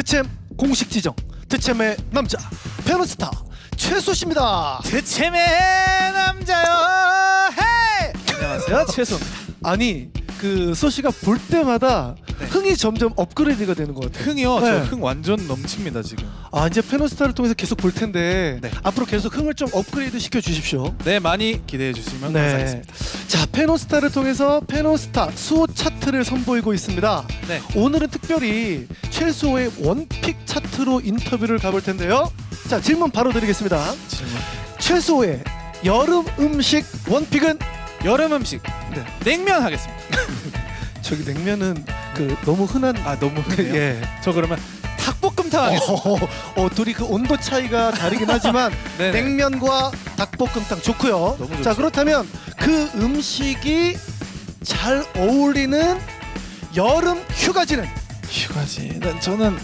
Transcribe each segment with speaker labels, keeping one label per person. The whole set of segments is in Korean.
Speaker 1: 드챔 공식 지정 드챔의 남자 페노스타 최소 씨입니다.
Speaker 2: 드챔의 남자요. 헤이! 안녕하세요, 최소입니다.
Speaker 1: 아니 그 소씨가 볼 때마다
Speaker 2: 네.
Speaker 1: 흥이 점점 업그레이드가 되는 것 같아요.
Speaker 2: 흥이요?
Speaker 1: 네.
Speaker 2: 저 흥 완전 넘칩니다 지금.
Speaker 1: 아 이제 페노스타를 통해서 계속 볼 텐데
Speaker 2: 네.
Speaker 1: 앞으로 계속 흥을 좀 업그레이드 시켜 주십시오.
Speaker 2: 네, 많이 기대해 주시면
Speaker 1: 네.
Speaker 2: 감사하겠습니다.
Speaker 1: 자 페노스타를 통해서 페노스타 수호 차트를 선보이고 있습니다.
Speaker 2: 네.
Speaker 1: 오늘은 특별히 최수호의 원픽 차트로 인터뷰를 가볼 텐데요. 자 질문 바로 드리겠습니다.
Speaker 2: 질문.
Speaker 1: 최수호의 여름 음식 원픽은?
Speaker 2: 여름 음식.
Speaker 1: 네.
Speaker 2: 냉면 하겠습니다.
Speaker 1: 저기 냉면은 그 너무 흔한
Speaker 2: 아, 너무 흔해요.
Speaker 1: 예.
Speaker 2: 저 그러면 닭볶음탕 하겠습니다.
Speaker 1: 둘이 그 온도 차이가 다르긴 하지만
Speaker 2: 네네.
Speaker 1: 냉면과 닭볶음탕 좋고요.
Speaker 2: 너무 좋죠.
Speaker 1: 자 그렇다면 그 음식이 잘 어울리는 여름 휴가지는?
Speaker 2: 휴가지는 저는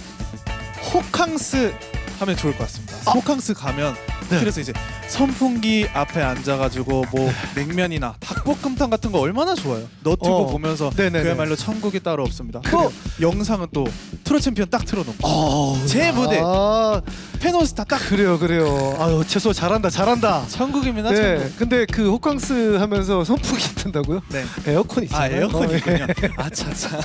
Speaker 2: 호캉스 하면 좋을 것 같습니다.
Speaker 1: 아.
Speaker 2: 호캉스 가면
Speaker 1: 네.
Speaker 2: 그래서 이제 선풍기 앞에 앉아가지고 뭐 냉면이나 닭볶음탕 같은 거 얼마나 좋아요. 너튜브 보면서
Speaker 1: 네네네.
Speaker 2: 그야말로 천국이 따로 없습니다.
Speaker 1: 그래요.
Speaker 2: 또 영상은 또 트롯 챔피언 딱 틀어놓고 제
Speaker 1: 아,
Speaker 2: 무대. 페노스타 딱
Speaker 1: 그래요. 아유 최소 잘한다.
Speaker 2: 천국입니다.
Speaker 1: 네.
Speaker 2: 천국.
Speaker 1: 근데 그 호캉스 하면서 선풍기 튼다고요?
Speaker 2: 네.
Speaker 1: 에어컨 있잖아요.
Speaker 2: 아, 에어컨이군요.
Speaker 1: 예.
Speaker 2: 아차차.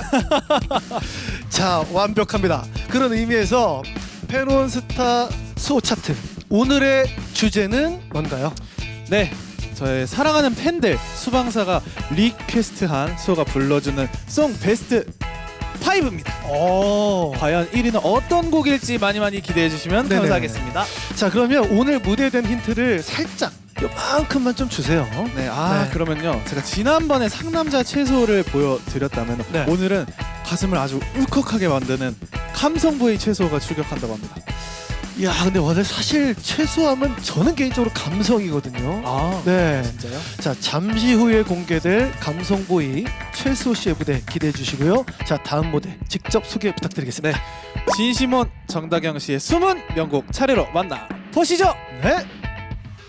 Speaker 1: 자 완벽합니다. 그런 의미에서 페논스타 수호 차트 오늘의 주제는 뭔가요?
Speaker 2: 네, 저의 사랑하는 팬들 수방사가 리퀘스트한 수호가 불러주는 송 베스트 5입니다. 과연 1위는 어떤 곡일지 많이 기대해 주시면
Speaker 1: 네네.
Speaker 2: 감사하겠습니다.
Speaker 1: 자 그러면 오늘 무대에 대한 힌트를 살짝 요만큼만 좀 주세요.
Speaker 2: 네,
Speaker 1: 네.
Speaker 2: 그러면요, 제가 지난번에 상남자 채소를 보여드렸다면
Speaker 1: 네.
Speaker 2: 오늘은 가슴을 아주 울컥하게 만드는 감성보이 채소가 출격한다고 합니다.
Speaker 1: 야 근데 오늘 사실 최소하면 저는 개인적으로 감성이거든요.
Speaker 2: 아,
Speaker 1: 네.
Speaker 2: 진짜요?
Speaker 1: 자 잠시 후에 공개될 감성보이 최수호 씨의 무대 기대해 주시고요. 자 다음 무대 직접 소개 부탁드리겠습니다.
Speaker 2: 진심원 정다경 씨의 숨은 명곡 차례로 만나 보시죠.
Speaker 1: 네.